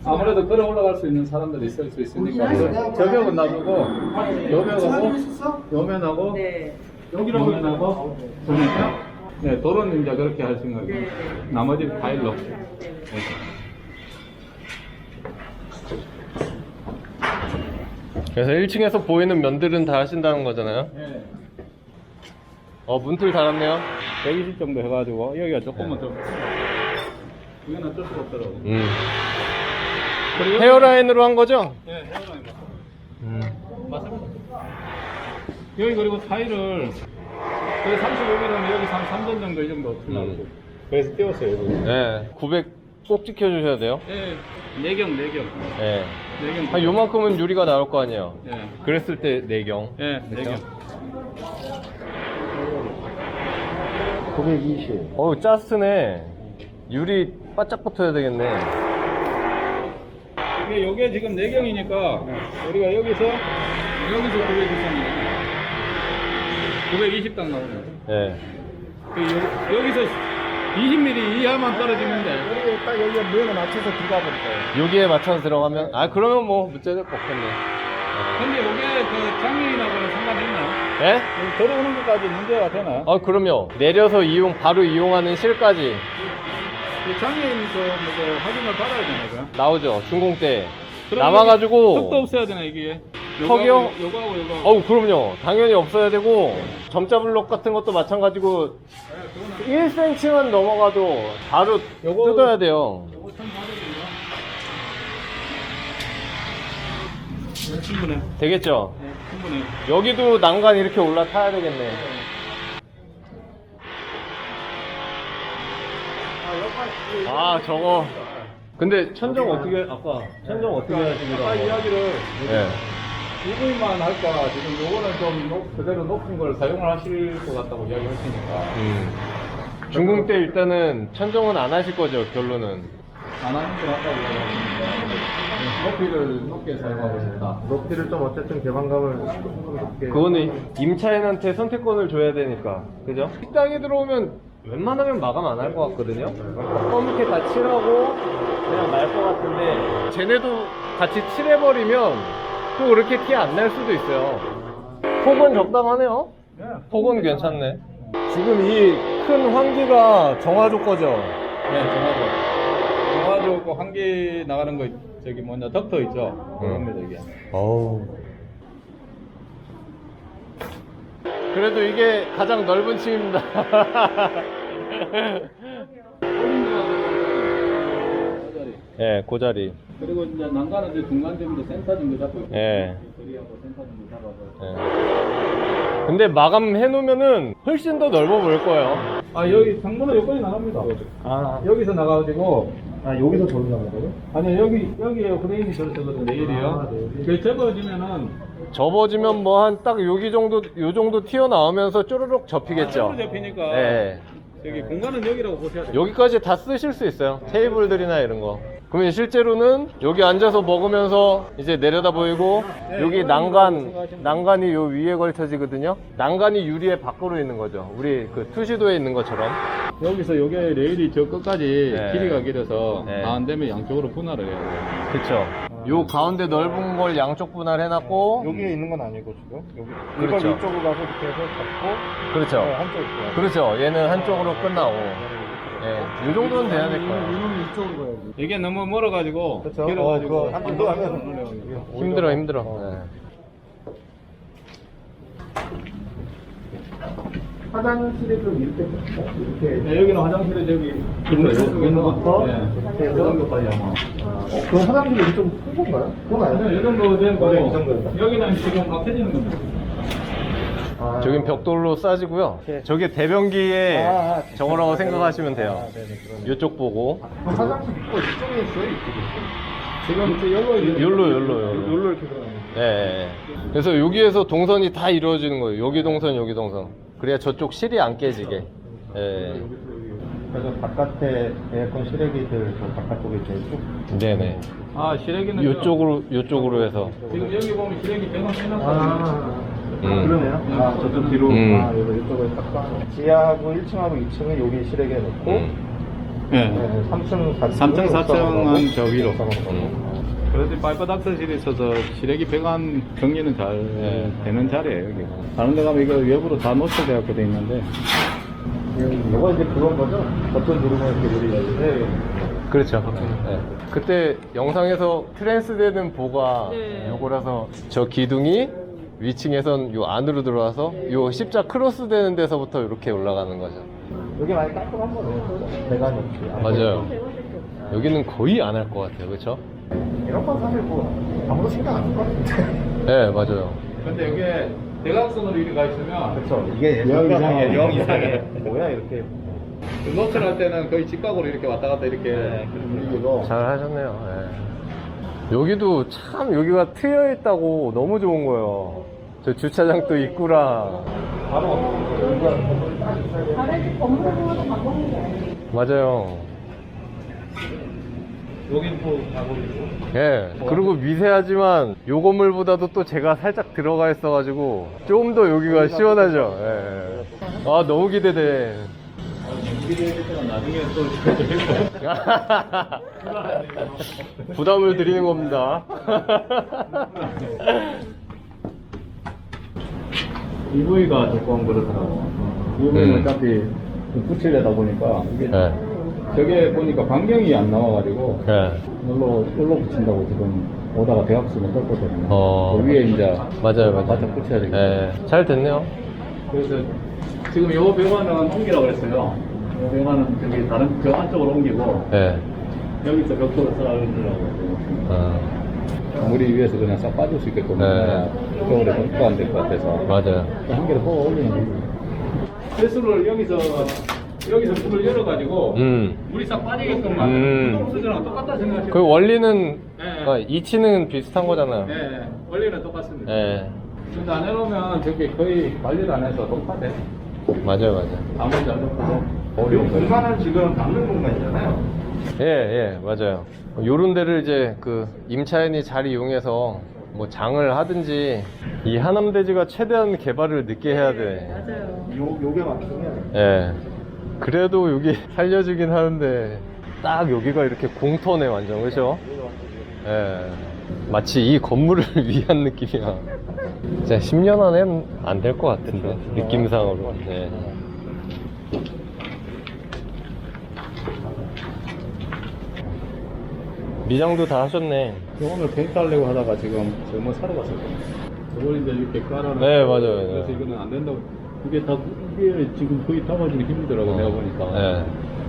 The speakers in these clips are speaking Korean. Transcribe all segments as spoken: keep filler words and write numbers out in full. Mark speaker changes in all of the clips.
Speaker 1: 아무래도 걸어 올라갈 수 있는 사람들이 있을 수 있으니까 저 벽은 놔두고 요 벽하고 요 면하고
Speaker 2: 네.
Speaker 1: 요 면하고 보니까 네, 도로는 이제 그렇게 할 생각이에요. 나머지 파일로.
Speaker 3: 그래서 일 층에서 보이는 면들은 다 하신다는 거잖아요.
Speaker 1: 네.
Speaker 3: 어, 문틀 달았네요.
Speaker 1: 백이십 정도 해가지고 여기가 조금만 더 이건 어쩔 수가 없더라고.
Speaker 3: 음.
Speaker 1: 그리고
Speaker 3: 헤어라인으로 한 거죠?
Speaker 1: 네, 헤어라인 맞습니다.
Speaker 3: 음.
Speaker 1: 맞습니다. 여기 그리고 타일을 그 삼십오 밀리미터면 여기 한 삼 전 정도 이 정도 틀라고.
Speaker 3: 음.
Speaker 1: 그래서 띄웠어요. 여기.
Speaker 3: 네. 구백 꼭 지켜주셔야 돼요.
Speaker 1: 네, 내경, 내경.
Speaker 3: 네.
Speaker 1: 내경.
Speaker 3: 한 요만큼은 유리가 나올 거 아니에요.
Speaker 1: 네.
Speaker 3: 그랬을 때 내경.
Speaker 1: 네,
Speaker 3: 그쵸?
Speaker 1: 내경.
Speaker 3: 구백이십. 어우, 짜스네. 유리 바짝 붙어야 되겠네.
Speaker 1: 이게 요게 지금 내경이니까 우리가 여기서 여기서 구백이십이니까 구백이십 딱 나오네요.
Speaker 3: 네.
Speaker 1: 그 여, 여기서 이십 밀리미터 이하만 떨어지면 돼.
Speaker 4: 우리 딱 여기에 모양을 맞춰서 들어가 버릴까요?
Speaker 3: 여기에 맞춰서 들어가면, 아, 그러면 뭐 문제될 거 없겠네.
Speaker 1: 근데 요게 그 장면이나고는 상관이 있나요?
Speaker 3: 예?
Speaker 1: 들어오는 것까지 문제가 되나요?
Speaker 3: 아, 그럼요. 내려서 이용, 바로 이용하는 실까지
Speaker 1: 그 장애인 그 뭐 확인을 받아야 되나요?
Speaker 3: 나오죠. 준공 때.
Speaker 1: 그럼
Speaker 3: 남아가지고.
Speaker 1: 턱도 없어야 되나 이게?
Speaker 3: 턱이요?
Speaker 1: 요거하고 요거하고.
Speaker 3: 어우, 그럼요. 당연히 없어야 되고, 점자 블록 같은 것도 마찬가지고, 일 센티미터만 넘어가도 바로
Speaker 1: 요거-
Speaker 3: 뜯어야 돼요.
Speaker 1: 요거 천 사백인가? 네, 충분해.
Speaker 3: 되겠죠?
Speaker 1: 네, 충분해.
Speaker 3: 여기도 난간 이렇게 올라타야 되겠네. 아, 저거. 근데 천정 어떻게, 아까 천정 어떻게 하시기로
Speaker 1: 아까 이야기를
Speaker 3: 예.
Speaker 1: 이브이만 할까 지금 요거는 좀 높, 그대로 높은 걸 사용을 하실 것 같다고 이야기하시니까
Speaker 3: 음. 중공 때 일단은 천정은 안 하실 거죠, 결론은.
Speaker 1: 안 하는 것 같다고 이야기하시니까 높이를 높게 사용하고 싶다.
Speaker 4: 높이를 좀 어쨌든 개방감을 조금 높게.
Speaker 3: 그거는 임차인한테 선택권을 줘야 되니까. 그죠? 식당에 들어오면 웬만하면 마감 안 할 것 같거든요? 검게 다 칠하고 그냥 날 것 같은데, 쟤네도 같이 칠해버리면 또 그렇게 티 안 날 수도 있어요. 폭은 적당하네요? 폭은 괜찮네. 지금 이 큰 환기가 정화조 거죠?
Speaker 1: 네, 정화조. 정화조 그 환기 나가는 거 저기 뭐냐 덕터 있죠? 그겁니다 이게.
Speaker 3: 어우. 그래도 이게 가장 넓은 층입니다. 예, 그 자리.
Speaker 1: 그리고 이제 난간은 이제 중간 정도 센터 정도 잡고 있고.
Speaker 3: 예.
Speaker 1: 거리하고 센터 정도 잡아서.
Speaker 3: 예. 근데 마감해 놓으면은 훨씬 더 넓어 보일 거예요.
Speaker 1: 아 여기 창문은 여기까지 나갑니다.
Speaker 4: 아,
Speaker 1: 여기서 나가가지고
Speaker 4: 아 여기서 저기 나가는 거예요?
Speaker 1: 아니 여기 여기에 프레임이 저렇거든 내일이요.
Speaker 4: 아, 네.
Speaker 1: 그 접어지면은
Speaker 3: 접어지면 뭐 한 딱 여기 정도, 요 정도 튀어나오면서 쪼르륵 접히겠죠.
Speaker 1: 아, 접히니까
Speaker 3: 예.
Speaker 1: 여기 공간은 여기라고 보셔야 돼요.
Speaker 3: 여기까지 다 쓰실 수 있어요. 테이블들이나 이런 거. 그러면 실제로는 여기 앉아서 먹으면서 이제 내려다 보이고,
Speaker 1: 네,
Speaker 3: 여기
Speaker 1: 이런
Speaker 3: 난간,
Speaker 1: 거 생각하시면
Speaker 3: 난간이 요 위에 걸쳐지거든요. 난간이 유리에 밖으로 있는 거죠. 우리 그 투시도에 있는 것처럼.
Speaker 1: 여기서 여기 레일이 저 끝까지
Speaker 3: 네.
Speaker 1: 길이가 길어서
Speaker 3: 네.
Speaker 1: 안 되면 양쪽으로 분할을 해야 돼요.
Speaker 3: 그쵸. 요 가운데 넓은 걸 양쪽 분할해놨고,
Speaker 4: 여기에 있는 건 아니고 지금 여기
Speaker 3: 그렇죠.
Speaker 4: 이걸 이쪽으로 가서 이렇게 해서 잡고
Speaker 3: 그렇죠.
Speaker 4: 네, 한쪽 이렇게.
Speaker 3: 그렇죠. 얘는 한쪽으로 끝나고. 예. 요 정도는 돼야 될 거예요.
Speaker 4: 이놈이 이쪽으로 가야지.
Speaker 1: 이게 너무 멀어가지고
Speaker 4: 그렇죠.
Speaker 1: 길어가지고
Speaker 4: 어, 그거 한번 더 하면
Speaker 3: 힘들어, 힘들어.
Speaker 4: 어.
Speaker 3: 예.
Speaker 4: 화장실에 좀 이렇게 이렇게
Speaker 1: 네, 여기는 화장실에 저기
Speaker 4: 문부터
Speaker 1: 네.
Speaker 4: 이렇게
Speaker 1: 그 정도까지 아마.
Speaker 4: 어, 그 화장실이 좀 큰 건가요? 그건
Speaker 1: 아니요,
Speaker 4: 아니에요.
Speaker 1: 이 정도 되는 거고
Speaker 4: 네, 이 정도요.
Speaker 1: 여기는 지금 막혀지는 겁니다.
Speaker 4: 아,
Speaker 3: 저긴 벽돌로 싸지고요. 저게 대변기에
Speaker 4: 아, 아,
Speaker 3: 저거라고
Speaker 4: 아,
Speaker 3: 생각하시면
Speaker 4: 아,
Speaker 3: 돼요.
Speaker 4: 네네, 그러네.
Speaker 3: 요쪽 보고.
Speaker 4: 그 화장실 있고 이쪽에 있어요, 이쪽에 있어요.
Speaker 1: 지금 저 여기
Speaker 3: 요로, 요로, 요로.
Speaker 4: 여기로 이렇게 들어가는
Speaker 3: 예, 예. 그래서 여기에서 동선이 다 이루어지는 거예요. 여기 동선, 여기 동선. 그래야 저쪽 실이 안 깨지게. 예.
Speaker 4: 그래서 바깥에 에어컨 실외기들 저 바깥쪽에 이제 쭉.
Speaker 3: 네네.
Speaker 1: 아 실외기는
Speaker 3: 요쪽으로, 요쪽으로 해서.
Speaker 1: 지금 여기 보면 실외기 배관 해놨거든요.
Speaker 4: 아,
Speaker 3: 음.
Speaker 4: 그러네요. 아, 저쪽 뒤로.
Speaker 3: 음.
Speaker 4: 아, 여기 이쪽에 딱 봐. 지하하고 일 층하고 이 층은 여기 실외기에 놓고,
Speaker 3: 음.
Speaker 1: 네.
Speaker 4: 삼 층, 사 층.
Speaker 1: 삼 층, 사 층은 저 위로.
Speaker 4: 음.
Speaker 1: 그래도 파이프 닥터실에 있어서 시래기 배관 정리는 잘
Speaker 3: 네.
Speaker 1: 되는 자리예요, 여기. 다른 데 가면 이거 외부로 다 노출되어 돼 있는데.
Speaker 4: 이거 이제 그건 거죠? 버튼 누르면 이렇게 누리는. 네.
Speaker 3: 그렇죠. 네. 그때 영상에서 트랜스되는 보가
Speaker 2: 네.
Speaker 3: 요거라서 저 기둥이 위층에선 요 안으로 들어와서 요 십자 크로스 되는 데서부터 이렇게 올라가는 거죠.
Speaker 4: 여기 많이 깔끔한 거네. 배관이 없이.
Speaker 3: 맞아요. 여기는 거의 안 할 것 같아요. 그렇죠?
Speaker 4: 이런 건 사실 뭐 아무도 신경 안 쓸 것 같은데.
Speaker 3: 네, 맞아요.
Speaker 1: 근데 여기에 대각선으로 이렇게 가 있으면
Speaker 4: 그렇죠. 이게
Speaker 1: 영 이상해.
Speaker 4: 영 이상해. 뭐야 이렇게.
Speaker 1: 노출할 때는 거의 직각으로 이렇게 왔다 갔다 이렇게
Speaker 4: 분위기고.
Speaker 3: 잘 하셨네요. 예. 여기도 참 여기가 트여 있다고 너무 좋은 거예요. 저 주차장도 입구랑.
Speaker 4: 바로 여기가
Speaker 2: 다른 집 건물을 보면서 바꾸는 게 아니에요.
Speaker 3: 맞아요.
Speaker 1: 여긴 또 작업이고.
Speaker 3: 예. 그리고 미세하지만 요 건물보다도 또 제가 살짝 들어가 있어가지고 좀 더 여기가 시원하죠. 예. 예. 아, 너무 기대돼.
Speaker 1: 기대했지만 나중에 또
Speaker 3: 부담을 드리는 겁니다.
Speaker 1: 이브이가 조금 그렇더라고. 이브이는
Speaker 3: 음.
Speaker 1: 어차피 좀 붙이려다 보니까 이게
Speaker 3: 예.
Speaker 1: 저게 보니까 반경이 안 나와가지고
Speaker 3: 예.
Speaker 1: 이걸로 이걸로 붙인다고 지금 오다가 대각선을 떴거든요.
Speaker 3: 어.
Speaker 1: 그 위에 이제
Speaker 3: 맞아요, 맞아요.
Speaker 1: 바짝 붙여야 되겠다.
Speaker 3: 예. 잘 됐네요.
Speaker 1: 그래서 지금 요 배관은 옮기라고 그랬어요. 요 배관은 저기 다른 저 안쪽으로 옮기고
Speaker 3: 예.
Speaker 1: 여기서 벽돌을 쌓아주려고.
Speaker 3: 어.
Speaker 1: 물이 위에서 그냥 싹 빠질 수 있게끔
Speaker 3: 네.
Speaker 1: 겨울에 덮고 안 될 것 같아서
Speaker 3: 맞아요.
Speaker 1: 한 개를 뽑아 올리는 거지. 세수를 여기서 여기서 문을 열어가지고
Speaker 3: 음.
Speaker 1: 물이 싹 빠지게끔만
Speaker 3: 음.
Speaker 1: 수동 수저랑 똑같다 생각하시면
Speaker 3: 그 원리는,
Speaker 1: 네.
Speaker 3: 아, 이치는 비슷한 거잖아요.
Speaker 1: 네, 원리는 똑같습니다.
Speaker 3: 예.
Speaker 1: 근데 안 해놓으면 저게 거의 관리를 안 해서 녹화돼.
Speaker 3: 맞아요, 맞아요.
Speaker 1: 아무리 안 녹화도.
Speaker 4: 요 공간은 지금 남는 공간이잖아요.
Speaker 3: 예, 예, 맞아요. 요런 데를 이제 그 임차인이 잘 이용해서 뭐 장을 하든지 이 하남대지가 최대한 개발을 늦게 해야 돼.
Speaker 2: 맞아요.
Speaker 4: 요 요게 막히면
Speaker 3: 예. 그래도 여기 살려주긴 하는데 딱 여기가 이렇게 공터네 완전, 그죠? 예. 마치 이 건물을 위한 느낌이야. 진짜 십 년 안엔 안 될 것 같은데 느낌상으로. 예. 미장도 다 하셨네.
Speaker 1: 오늘 페인트 하려고 하다가 지금 저뭐 사러 갔었거든요. 저걸 이제 이렇게 깔아놓고.
Speaker 3: 네, 맞아요.
Speaker 1: 그래서
Speaker 3: 네.
Speaker 1: 이거는 안 된다고. 이게 다, 이게 지금 거의 담아주기 힘들더라고, 내가 보니까.
Speaker 3: 예.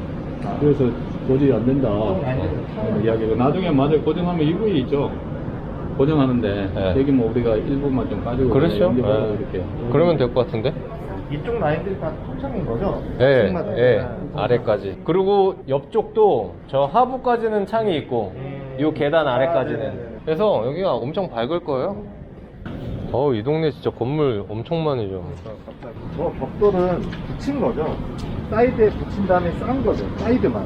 Speaker 1: 그래서 도저히 안 된다. 어, 이야기가. 나중에 맞아요. 고정하면 이브이 있죠. 고정하는데,
Speaker 3: 네.
Speaker 1: 여기 뭐 우리가 일부만 좀 가지고.
Speaker 3: 그렇죠.
Speaker 1: 연결하고
Speaker 3: 예.
Speaker 1: 이렇게.
Speaker 3: 그러면 될 것 같은데?
Speaker 4: 이쪽 라인들이 다 통창인 거죠?
Speaker 3: 예,
Speaker 4: 층마다.
Speaker 3: 예, 아래까지. 그리고 옆쪽도 저 하부까지는 창이 있고, 요 계단 아래까지는. 그래서 여기가 엄청 밝을 거예요. 어우, 이 동네 진짜 건물 엄청 많이죠.
Speaker 4: 저 벽돌은 붙인 거죠? 사이드에 붙인 다음에 싼 거죠? 사이드만.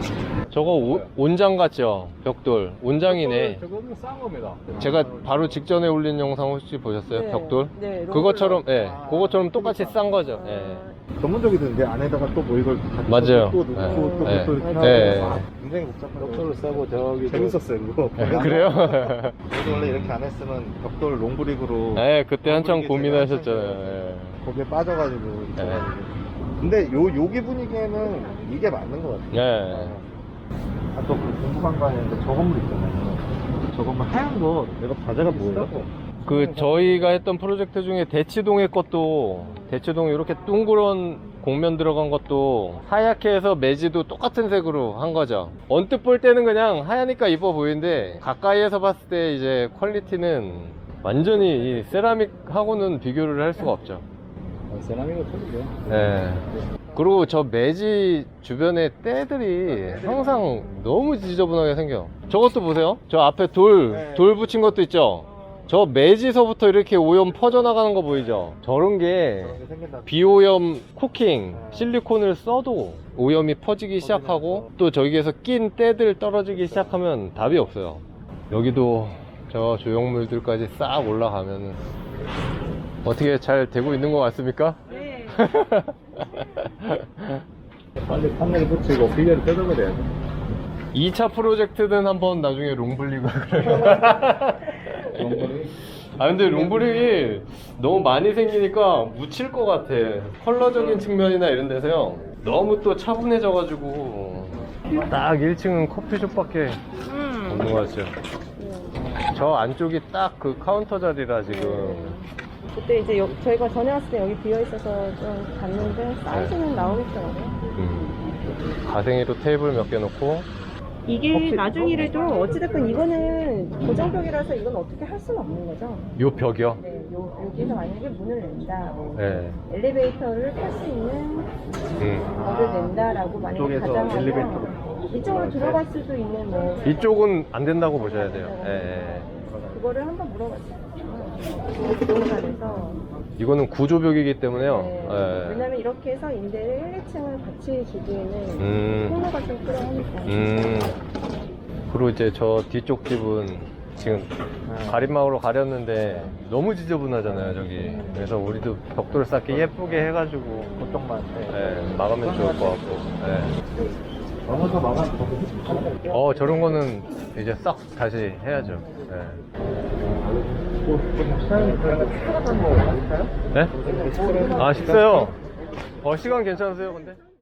Speaker 3: 저거 오- 온장 같죠? 벽돌. 온장이네.
Speaker 1: 저거는 싼 겁니다.
Speaker 3: 제가 바로 직전에 올린 영상 혹시 보셨어요?
Speaker 2: 네.
Speaker 3: 벽돌?
Speaker 2: 네,
Speaker 3: 그것처럼, 예,
Speaker 4: 아.
Speaker 3: 그것처럼 똑같이 싼 거죠. 예.
Speaker 4: 전문적이던데 안에다가 또 뭐 이걸 다
Speaker 3: 맞아요.
Speaker 4: 또 넣고
Speaker 3: 예.
Speaker 4: 또
Speaker 3: 예.
Speaker 4: 또 이렇게
Speaker 3: 예.
Speaker 4: 하고 아, 굉장히 복잡한
Speaker 1: 벽돌을 싸고 저기.
Speaker 4: 재밌었어요 그거.
Speaker 3: 예, 그래요?
Speaker 4: 저도 원래 이렇게 안 했으면 벽돌 롱브릭으로
Speaker 3: 예, 그때 한참
Speaker 4: 롱브릭이
Speaker 3: 고민하셨잖아요.
Speaker 4: 제가
Speaker 3: 예.
Speaker 4: 거기에 빠져가지고 이렇게
Speaker 3: 예.
Speaker 4: 해가지고. 근데 요 여기 분위기에는 이게 맞는 것 같아요.
Speaker 3: 예.
Speaker 4: 아까 그 궁금한 거 아닌데 저 건물 있잖아요. 저 건물 하얀 거 내가 과자가 뭐예요?
Speaker 3: 그 저희가 했던 프로젝트 중에 대치동의 것도 대치동 이렇게 둥그런 곡면 들어간 것도 하얗게 해서 매지도 똑같은 색으로 한 거죠. 언뜻 볼 때는 그냥 하얘니까 이뻐 보이는데 가까이에서 봤을 때 이제 퀄리티는 완전히 이 세라믹하고는 비교를 할 수가 없죠.
Speaker 1: 세라믹은 틀리죠.
Speaker 3: 네. 그리고 저 매지 주변에 때들이 항상 너무 지저분하게 생겨. 저것도 보세요. 저 앞에 돌,
Speaker 4: 네.
Speaker 3: 돌 붙인 것도 있죠. 저 매지서부터 이렇게 오염 퍼져나가는 거 보이죠? 저런 게
Speaker 4: 저렇게 생긴다.
Speaker 3: 비오염 코킹 실리콘을 써도 오염이 퍼지기 시작하고 또 저기에서 낀 때들 떨어지기 시작하면 답이 없어요. 여기도 저 조형물들까지 싹 올라가면은 어떻게 잘 되고 있는 것 같습니까?
Speaker 2: 네.
Speaker 1: 빨리 판넬 붙이고 비계를 뜯어버려야 돼.
Speaker 3: 이 차 프로젝트는 한번 나중에 롱블릭을 그래요. 아 근데 롱블릭이 너무 많이 생기니까 묻힐 것 같아. 컬러적인 측면이나 이런 데서요. 너무 또 차분해져가지고 딱 일 층은 커피숍밖에 없는 것 같죠. 저 안쪽이 딱 그 카운터 자리라 지금.
Speaker 2: 그때 이제 여, 저희가 전에 왔을 때 여기 비어 있어서 좀 봤는데 사이즈는 나오겠더라고요.
Speaker 3: 음. 가생이로 테이블 몇 개 놓고.
Speaker 2: 이게 나중이라도 어찌됐건 이거는 고정벽이라서 이건 어떻게 할 수는 없는 거죠.
Speaker 3: 요 벽이요?
Speaker 2: 네, 요, 여기서 만약에 문을 낸다, 뭐
Speaker 3: 네.
Speaker 2: 엘리베이터를 탈 수 있는
Speaker 3: 음.
Speaker 2: 문을 낸다라고 만약에
Speaker 4: 이쪽에서
Speaker 2: 가정하면
Speaker 4: 엘리베이터로.
Speaker 2: 이쪽으로 들어갈 수도 있는 뭐
Speaker 3: 이쪽은 안 된다고 보셔야 돼요. 예, 예.
Speaker 2: 그거를 한번 물어봤어요. 부동산에서.
Speaker 3: 이거는 구조벽이기 때문에요.
Speaker 2: 네.
Speaker 3: 예.
Speaker 2: 왜냐면 이렇게 해서 임대를 일, 이 층을 같이 주기에는
Speaker 3: 음.
Speaker 2: 통로가 좀 필요하니까.
Speaker 3: 음. 그리고 이제 저 뒤쪽 집은 지금 가림막으로 가렸는데 너무 지저분하잖아요, 저기. 그래서 우리도 벽돌 쌓기 예쁘게 해가지고
Speaker 4: 그쪽만. 네.
Speaker 3: 예, 막으면 좋을 것 같고. 예.
Speaker 4: 넘어서 막아.
Speaker 3: 어, 저런 거는 이제 싹 다시 해야죠. 예. 네? 아, 식사요? 어, 시간 괜찮으세요, 근데?